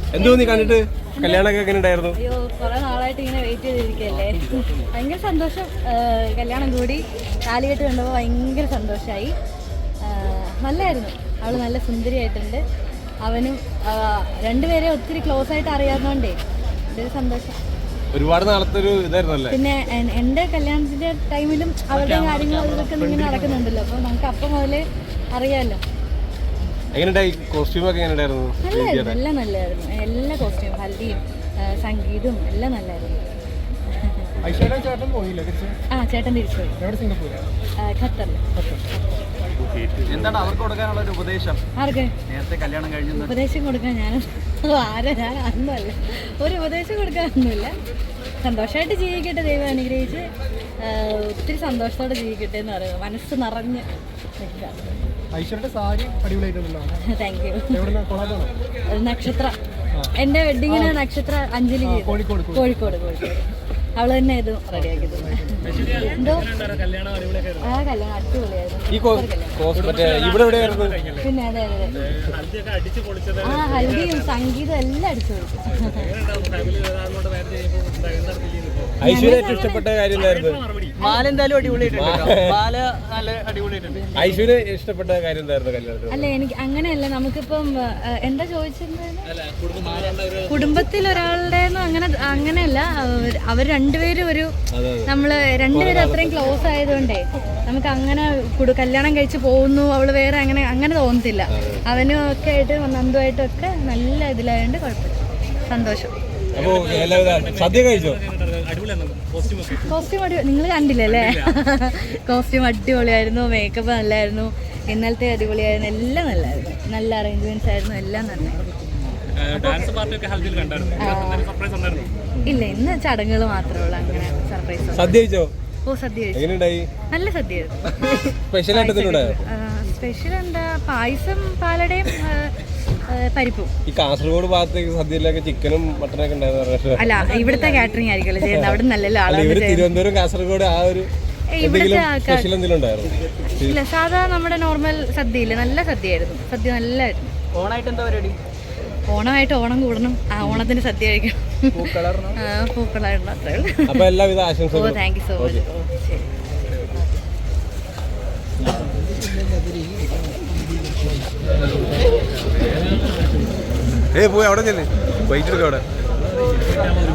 എന്തോ നീ കണ്ടിട്ട് കല്യാണമൊക്കെ എങ്ങനെ ഉണ്ടായിരുന്നു? അയ്യോ, കുറെ നാളായിട്ട് ഇങ്ങനെ വെയിറ്റ് ചെയ്തിരിക്കുകയല്ലേ. ഭയങ്കര സന്തോഷം. കല്യാണം കൂടി താലികെട്ട് കണ്ടപ്പോൾ ഭയങ്കര സന്തോഷമായി. നല്ലായിരുന്നു. അവൾ നല്ല സുന്ദരിയായിട്ടുണ്ട്. അവനും രണ്ടുപേരെ ഒത്തിരി ക്ലോസ് ആയിട്ട് അറിയാവുന്നതുകൊണ്ടേ ഇതൊരു സന്തോഷം. ഒരുപാട് നാളത്തെ ഒരു ഇതായിരുന്നല്ലേ. പിന്നെ എൻ്റെ കല്യാണത്തിന്റെ ടൈമിലും അവരുടെ കാര്യങ്ങൾ ഇതൊക്കെ ഇങ്ങനെ നടക്കുന്നുണ്ടല്ലോ, അപ്പോൾ നമുക്ക് അപ്പം മുതലേ അറിയാമല്ലോ. എങ്ങനെയുണ്ടായി? കോസ്റ്റ്യൂമൊക്കെ എങ്ങനെ ഉണ്ടായിരുന്നു? നല്ലായിരുന്നു, എല്ലാം നല്ലായിരുന്നു. എല്ലാ കോസ്റ്റ്യൂം, ഹൽദിയും സംഗീതവും എല്ലാം നല്ലായിരുന്നു. ചേട്ടൻ തിരിച്ചുപോയി ഖത്തറിൽ. എന്താണ് അവർക്ക് കൊടുക്കാനുള്ള ഒരു ഉപദേശം? ആർക്ക് നേരത്തെ കല്യാണം കഴിഞ്ഞു ഉപദേശം കൊടുക്കാൻ? ഞാൻ ഒന്നുമല്ല, ഒരു ഉപദേശം കൊടുക്കാനൊന്നുമില്ല. സന്തോഷമായിട്ട് ജീവിക്കട്ടെ, ദൈവം അനുഗ്രഹിച്ച് ഒത്തിരി സന്തോഷത്തോടെ ജീവിക്കട്ടെ എന്ന് പറയുന്നത് മനസ്സ് നിറഞ്ഞ് നിൽക്കുക. Thank you. നക്ഷത്ര എൻ്റെ വെഡിങ്ങിന് നക്ഷത്ര അഞ്ജലി കോഴിക്കോട്. അവള് തന്നെ ഇത് റെഡിയാക്കിയത്. എന്തോ കല്യാണം അടിപൊളിയായിരുന്നു. പിന്നെ അതെ ഹൽദിയും സംഗീതം എല്ലാം അടിച്ചു പൊളിച്ചു. ഐശ്വര്യ ഇഷ്ടപ്പെട്ട കാര്യം എന്തായിരുന്നു? മാല എന്തായാലും അടിപൊളിയായിട്ടുണ്ട്. മാല നല്ല അടിപൊളിയായിട്ടുണ്ട്. ഐശ്വര്യ ഇഷ്ടപ്പെട്ട കാര്യം എന്തായിരുന്നു കല്യാണത്തിൽ? അല്ല, എനിക്ക് അങ്ങനെയല്ല. നമുക്കിപ്പം എന്താ ചോദിച്ചിരുന്നത്? കുടുംബത്തിൽ ഒരാളുടെ അങ്ങനെയല്ല. അവർ രണ്ടുപേരും നമ്മള് രണ്ടുപേരും അത്രയും ക്ലോസ് ആയതുകൊണ്ടേ നമുക്ക് അങ്ങനെ കല്യാണം കഴിച്ച് പോകുന്നു അവള് വേറെ അങ്ങനെ തോന്നത്തില്ല. അവനും ഒക്കെ ആയിട്ട് നന്ദുമായിട്ടും ഒക്കെ നല്ല ഇതിലായതുകൊണ്ട് കുഴപ്പമില്ല, സന്തോഷം. സദ്യ കഴിച്ചോ? കോസ്റ്റ്യൂം നിങ്ങൾ കണ്ടില്ലല്ലേ? കോസ്റ്റ്യൂം അടിപൊളിയായിരുന്നു, മേക്കപ്പ് നല്ലായിരുന്നു, ഇന്നലത്തെ അടിപൊളിയായിരുന്നു, എല്ലാം നല്ലായിരുന്നു. നല്ല അറേഞ്ച്മെന്റ്സ് ആയിരുന്നു, എല്ലാം നന്നായിരുന്നു. ഇല്ല, ഇന്ന് ചടങ്ങുകൾ മാത്രമേ ഉള്ളൂ, അങ്ങനെ സർപ്രൈസ്. സദ്യ കഴിച്ചോ? ഓ, സദ്യ കഴിച്ചു. നല്ല സദ്യയായിരുന്നു. സ്പെഷ്യൽ എന്താ? പായസം, പാലടയും പരിപ്പും. ഈ കാസർഗോഡ് ഭാഗത്തേക്ക് സദ്യയിലൊക്കെ ചിക്കനും മട്ടനൊക്കെ ഉണ്ടായിരുന്നു. അല്ല, ഇവിടുത്തെ കാറ്ററിംഗ് ആയിരിക്കുമല്ലോ ചെയ്യുന്നത്, അവിടെ നല്ലല്ലോ ആളുകൾ. തിരുവനന്തപുരം കാസർഗോഡ് ആ ഒരു ഇല്ല, സാധാ നമ്മുടെ നോർമൽ സദ്യയില്ലേ, നല്ല സദ്യയായിരുന്നു. സദ്യ നല്ലായിരുന്നു. ഓണായിട്ട് എന്താ പരിപാടി? ഓണമായിട്ട് ഓണം കൂടണം, ഓണത്തിന് സദ്യ കഴിക്കണം, പൂക്കളായിരുന്നു. അത്രേ ഉള്ളൂ. എല്ലാവിധ ആശംസകളും. ഓ, താങ്ക് യു സോ മച്ച്. ഓ, ശരി. പോയി അവിടെ ചെല്ലേ, വൈകിട്ട് എടുക്കാം അവിടെ.